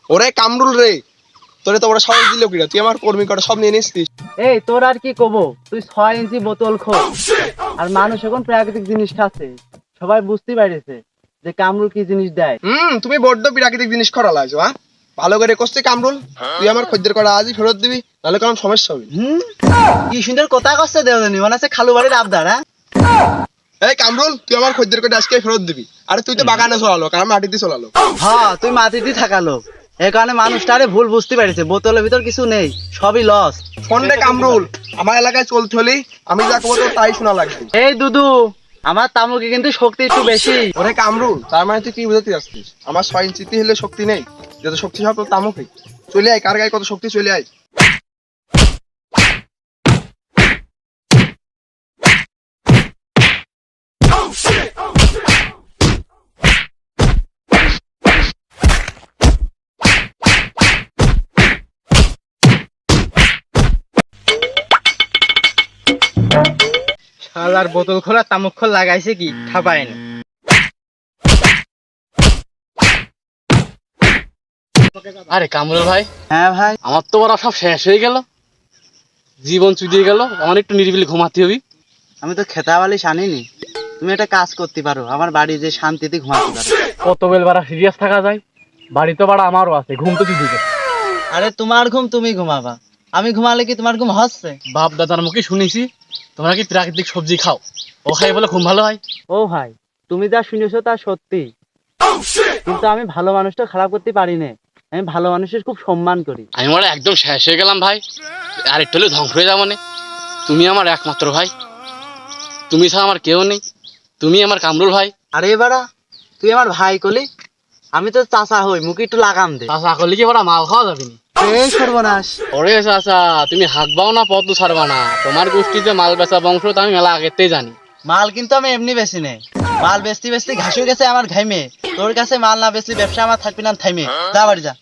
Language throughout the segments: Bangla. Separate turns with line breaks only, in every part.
ওরে কামরুল রে, তোরে তো ওরা সবাই দিল কিনা, তুই আমার কর্মী কটা সব নিয়ে নিসছিস।
এই তোর আর কি কব, তুই 6 ইঞ্চি বোতল খো, আর মানুষ এখন প্রাকৃতিক জিনিস খাচ্ছে, সবাই বুঝতেই পারছে যে কামরুল কি জিনিস দেয়।
তুমি বড্ড প্রাকৃতিক জিনিস করা লাগছো, হ্যাঁ? ভালো করে করছিস কামরুল, তুই আমার খদ্দের কটা আজই ফেরত দিবি, নাহলে কোনো সমস্যা হবে।
কি সুন্দর কথা কচ্ছে দেওনি, মনে আছে খালু বাড়ির আবদার।
এই কামরুল, তুই আমার খদ্দের কটা আজকে ফেরত দিবি। আরে তুই তো বাগানে চলালো, কারণ মাটিতে চলালো।
হ্যাঁ, তুই মাটিতে থাকালো, এই কারণে মানুষটা আরে ভুল বুঝতে পারছে, বোতলের ভিতর কিছু নেই, সবই লস।
শোন রে কামরুল, আমার এলাকায় চলতে হলে আমি যা করবো তোর তাই শোনা লাগবে।
এই দুদু, আমার তামুকে কিন্তু শক্তি একটু বেশি।
ওরে কামরুল, তার মানে তুই কি বুঝাতে যাচ্ছিস? আমার 6 ইঞ্চিতে হলে শক্তি নেই, যত শক্তি সব তোর তামুকে। চলে আয়, কার গায়ে কত শক্তি, চলে আয়।
শালার বোতল খোলা তামুক খোল লাগাইছে কি খাপায়নি।
আরে কামরুল ভাই,
হ্যাঁ ভাই,
আমার তো ওরা সব শেষ হয়ে গেল, জীবন চুদিয়ে গেল, আমার একটু নিরিবিলি ঘুমাতে হবে।
আমি তো খেতাবালি শানিনি, তুমি একটা কাজ করতে পারো, আমার বাড়ি যে শান্তিতে ঘুমাতে পারো।
কত বেল বাড়া সিরিয়াস থাকা যায়, বাড়ি তো বাড়া আমারও আছে, ঘুম তো দিদিকে।
আরে তোমার ঘুম তুমি ঘুমাবা, আমি ঘুমালে কি তোমার ঘুম হচ্ছে?
বাপ দাদার মুখে শুনেছি তোমরা কি প্রাকৃতিক সবজি খাও, ও খাই বলে ঘুম ভালো হয়।
ও ভাই, তুমি যা শুনেছো তা সত্যি, কিন্তু আমি ভালো মানুষটা খারাপ করতে পারি না, আমি ভালো মানুষের খুব সম্মান করি।
আমি মনে হয় একদম শেষ হয়ে গেলাম ভাই, আর একটু হলে ধ্বংস হয়ে যাবো মানে। তুমি আমার একমাত্র ভাই, তুমি ছাড়া আমার কেউ নেই, তুমি আমার কামরুল ভাই।
আরে বাড়া, তুই আমার ভাই কলি, আমি তো চাচা হই, মুখে একটু লাগাম দে।
চাষা করলে কি ওরা মাল খাওয়া যাবে না?
এই সর্বনাশ!
ওরে চাষা, তুমি হাঁকবাও না পদ্ম ছাড়বা না, তোমার গোষ্ঠীতে মাল বেচা বংশ তো আমি মেলা আগেতেই জানি।
মাল কিন্তু আমি এমনি বেশি নেই, মাল বেচতে বেচতে ঘাস হয়ে গেছে আমার ঘাইমে। তোর কাছে মাল না বেচলে ব্যবসা আমার থাকবি না, থাইমে যা বাড়ি যা।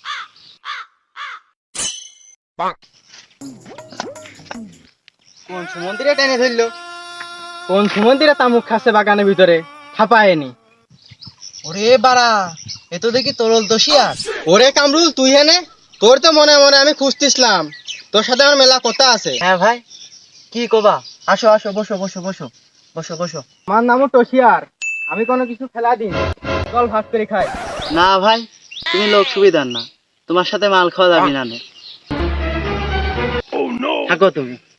কোন সুমন্দিরে টেনে ধরলো, কোন সুমন্দিরে তামুক খাচ্ছে বাগানের ভিতরে, ছাপায়নি। ওরে বাড়া, এ তো দেখি তরল দোষিয়ার।
ওরে কামরুল, তুই হেনে? তোর তো মনে মনে আমি খুঁজতেছিলাম, তোর সাথে আমার মেলা কথা আছে।
হ্যাঁ ভাই, কি কবা? আসো আসো, বসো বসো বসো বসো বসো। আমার নামও টসিয়ার, আমি কোনো কিছু ফেলা দিন, চল ভাগ করে খাই। না ভাই, তুমি লোক সুবিধার না, তোমার সাথে মাল খাওয়া যাবে না। থাকো তুমি।